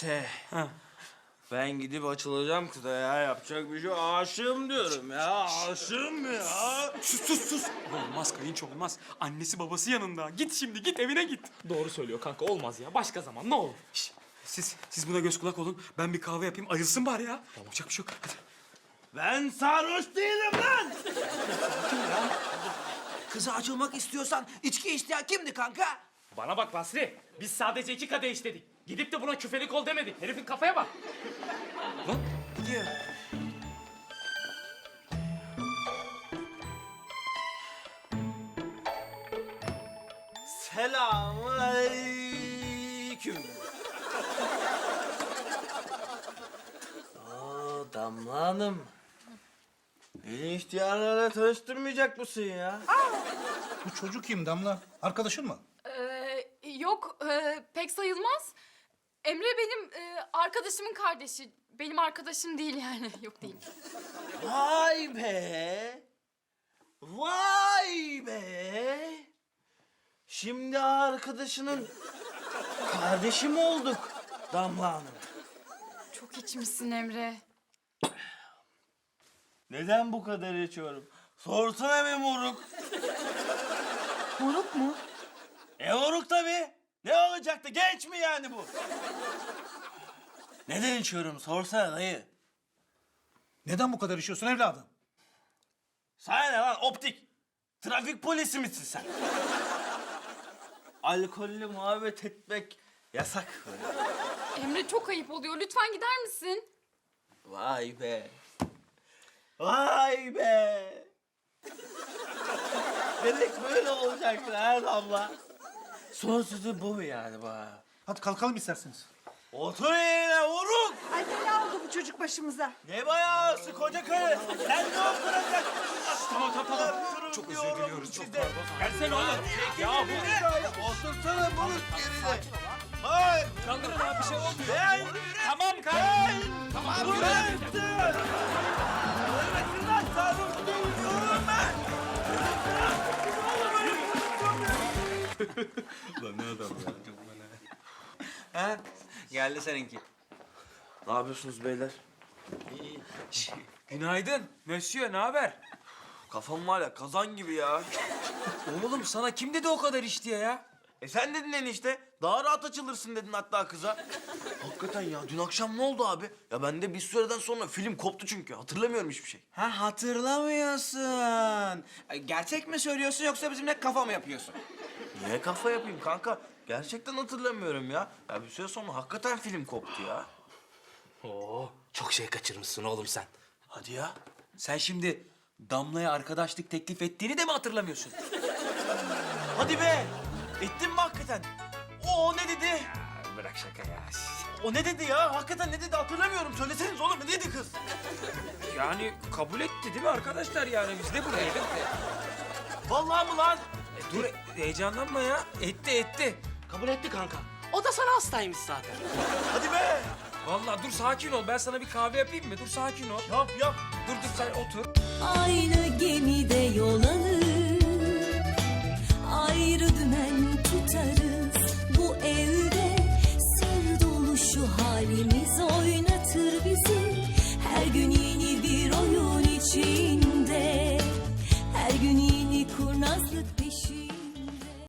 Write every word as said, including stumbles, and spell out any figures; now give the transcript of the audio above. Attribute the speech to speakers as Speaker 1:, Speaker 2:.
Speaker 1: Mete. Ben gidip açılacağım kıza ya. Yapacak bir şey yok. Aşığım diyorum ya. Aşığım ya.
Speaker 2: Sus sus sus. Olmaz kayınço olmaz. Annesi babası yanında. Git şimdi git evine git.
Speaker 3: Doğru söylüyor kanka, olmaz ya. Başka zaman ne olur.
Speaker 2: Şişt, siz siz buna göz kulak olun. Ben bir kahve yapayım ayılsın bari ya. Yapacak bir şey yok. Hadi.
Speaker 1: Ben sarhoş değilim lan.
Speaker 4: Kıza açılmak istiyorsan içki isteyen kimdi kanka?
Speaker 3: Bana bak Basri, biz sadece iki kadeh istedik. Gidip de buna küfelik ol demedik. Herifin kafaya bak.
Speaker 2: Lan gidiyor.
Speaker 1: Selamünaleyküm. Aa, Damla Hanım. Beni ihtiyarlarla tanıştırmayacak mısın ya?
Speaker 5: Bu çocuk kim Damla? Arkadaşın mı?
Speaker 6: Ee, yok, e, pek sayılmaz. Emre benim e, arkadaşımın kardeşi. Benim arkadaşım değil yani. Yok değil.
Speaker 1: Vay be! Vay be! Şimdi arkadaşının kardeşi mi olduk Damla Hanım?
Speaker 6: Çok içmişsin Emre.
Speaker 1: Neden bu kadar içiyorum? Sorsana be moruk.
Speaker 4: Moruk mu?
Speaker 1: E moruk tabii. Ne olacaktı? Genç mi yani bu? Neden içiyorum? Sorsana dayı.
Speaker 5: Neden bu kadar işiyorsun evladım?
Speaker 1: Sana ne lan optik? Trafik polisi misin sen? Alkollü muhabbet etmek yasak.
Speaker 6: Emre çok ayıp oluyor. Lütfen gider misin?
Speaker 1: Vay be. Vay be. Demek böyle olacaktı ha Damla. Son sözü bu mu yani bana?
Speaker 5: Hadi kalkalım isterseniz.
Speaker 1: Otur yerine vurun.
Speaker 7: Ay bela oldu bu çocuk başımıza.
Speaker 1: Ne bayağısı koca karı? Sen ne oturacaksın?
Speaker 2: Tamam tamam tamam.
Speaker 1: Çok
Speaker 2: özür diliyoruz, çok
Speaker 1: pardon.
Speaker 3: Gelsene oğlum.
Speaker 1: Ya bu ne? Otursana moruk yerine. Hayır.
Speaker 3: Kaldırın abi, bir şey olmuyor.
Speaker 1: Ben.
Speaker 3: Tamam kanka.
Speaker 1: Tamam. Bıraktı. Ölmesin lan sarhoş değilim ben.
Speaker 4: Ha? Geldi seninki.
Speaker 1: Ne yapıyorsunuz beyler?
Speaker 2: Günaydın. Monsieur ne haber?
Speaker 1: Kafam var ya kazan gibi ya.
Speaker 2: Oğlum sana kim dedi o kadar iş diye ya?
Speaker 1: E sen dedin enişte. Daha rahat açılırsın dedin hatta kıza. Hakikaten ya dün akşam ne oldu abi? Ya ben de bir süreden sonra film koptu çünkü. Hatırlamıyorum hiçbir şey.
Speaker 4: Ha hatırlamıyorsun. Ay, gerçek mi söylüyorsun yoksa bizimle kafa mı yapıyorsun?
Speaker 1: Niye kafa yapayım kanka? Gerçekten hatırlamıyorum ya. Ya bir süre sonra hakikaten film koptu ya.
Speaker 4: Oo, çok şey kaçırmışsın oğlum sen.
Speaker 1: Hadi ya.
Speaker 2: Sen şimdi Damla'ya arkadaşlık teklif ettiğini de mi hatırlamıyorsun?
Speaker 1: Hadi be. Ettin mi hakikaten? O, o ne dedi?
Speaker 2: Bırak şaka ya.
Speaker 1: O ne dedi ya? Hakikaten ne dedi hatırlamıyorum. Söyleseniz oğlum ne dedi kız?
Speaker 2: Yani kabul etti değil mi arkadaşlar yani biz de buradaydık.
Speaker 1: Vallahi mı lan?
Speaker 2: E, dur heyecanlanma ya. Etti etti.
Speaker 4: Kabul etti kanka. O da sana hastaymış zaten.
Speaker 1: Hadi be.
Speaker 2: Vallahi dur sakin ol. Ben sana bir kahve yapayım mı? Dur sakin ol.
Speaker 1: Yap yap.
Speaker 2: Dur dur sen otur.
Speaker 8: Aynı gemide yol alır, ayrı dümen